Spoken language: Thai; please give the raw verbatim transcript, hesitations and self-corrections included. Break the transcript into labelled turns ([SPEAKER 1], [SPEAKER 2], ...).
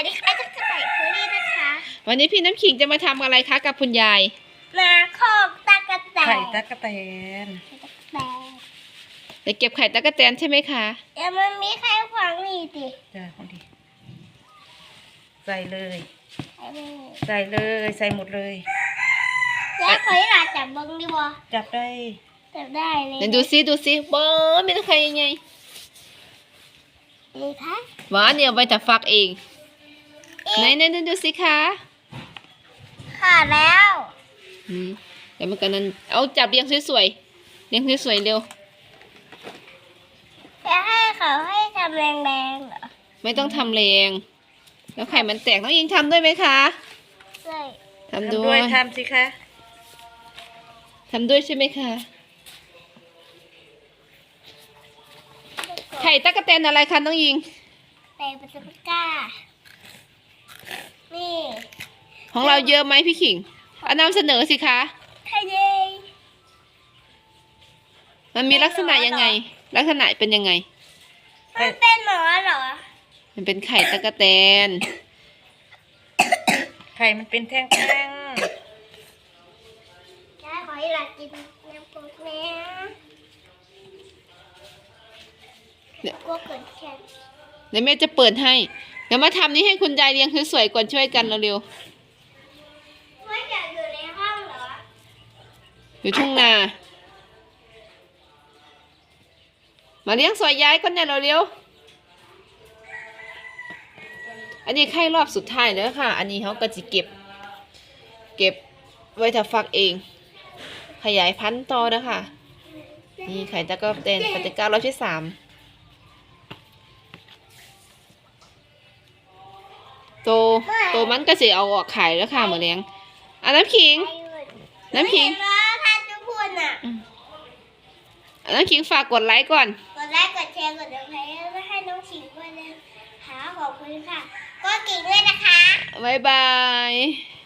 [SPEAKER 1] ดีค่ะจะไก่เฟอรี่นะคะ
[SPEAKER 2] วันนี้พี่น้ำขิงจะมาทำอะไรคะกับคุณยาย
[SPEAKER 1] มาคอกตะกะแตน
[SPEAKER 3] ไข่ตั๊กแตน
[SPEAKER 1] แตน
[SPEAKER 2] จะเก็บไข่ตะกะแตนใช่ไหมคะ
[SPEAKER 1] เดี๋ยวมันมีไข่ขวางนี่ดิ
[SPEAKER 3] จ้าพอดีใส่เลย
[SPEAKER 1] ไข่ไม่มี
[SPEAKER 3] ใส่เลยใส่หมดเลย
[SPEAKER 1] แล้วเคยหลาจับเบิ้งดิบ่
[SPEAKER 3] จับได้
[SPEAKER 1] จับได้เลย
[SPEAKER 2] เดี๋ยวดูซิดูซิบอมีแต่ไข่ยังไง
[SPEAKER 1] นี่คะ
[SPEAKER 2] หวานเนี่ยเอาไปแต่ฟักเองไหนไหนไหนดูสิคะ
[SPEAKER 1] ขาดแล้ว
[SPEAKER 2] อืมเดี๋ยวมันกันนั้นเอาจับเรียงสวยๆเรียงสวยๆเร็ว
[SPEAKER 1] จะให้เขาให้ทำแรงๆเหรอ
[SPEAKER 2] ไม่ต้องทำแรงแล้วไข่มันแตกน้องยิงทำด้วยไหมคะ
[SPEAKER 1] ใช่
[SPEAKER 2] ทำ
[SPEAKER 3] ทำ
[SPEAKER 2] ด้
[SPEAKER 3] ด้
[SPEAKER 2] ว
[SPEAKER 3] วย ยทำสิคะ
[SPEAKER 2] ทำด้วยใช่ไหมคะไข่ตะกะแตนอะไรคะน้องยิง
[SPEAKER 1] แต่ปัสปิก้านี่
[SPEAKER 2] ของเราเยอะไหมพี่ขิงเอานำเสนอสิคะ
[SPEAKER 1] ไข่เย้
[SPEAKER 2] มันมีลักษณะยังไง ลักษณะเป็นยังไง
[SPEAKER 1] มันเป็นหมอเหรอ
[SPEAKER 2] มันเป็นไข่ตะกะแตน
[SPEAKER 3] ไข่มันเป็นแท่ง
[SPEAKER 1] ยายขอให้หลานกินน้ำปุ๊บแม่
[SPEAKER 2] เนี่ย
[SPEAKER 1] กลัวเกิดแค่
[SPEAKER 2] เดี๋ยวแม่จะเปิดให้ เดี๋ยวมาทำนี้ให้คุณยายเรียงสวยๆก่อนช่วยกันเร็ว
[SPEAKER 1] ไม่อยากอยู่ในห้องเหรอ
[SPEAKER 2] ๆอยู่ทุ่งนา มาเลี้ยงสวยย้ายก่อนเนี่ยเร็วๆอันนี้ไข่รอบสุดท้ายแล้วค่ะ อันนี้เขาก็จะเก็บ เก็บไว้ถ้าฟักเอง ขยายพันธุ์ต่อนะคะนี่ไข่ตะกะแตนปฏิการรอบที่สามโตโตมันก็จะเอาออกขายแล้วค่ะเหมือนเลี้ยงอันน้ำขิง น้ำขิง
[SPEAKER 1] เห็นว่าท่านจะพูดน่ะ
[SPEAKER 2] อันน้ำขิงฝากกดไลค์ก่อน
[SPEAKER 1] กดไลค์กดแชร์กดติดตามไม่ให้น้องชิงด้วยนะคะขอบคุณค่ะ ก็กิ่งด้วยนะคะ
[SPEAKER 2] บ๊ายบาย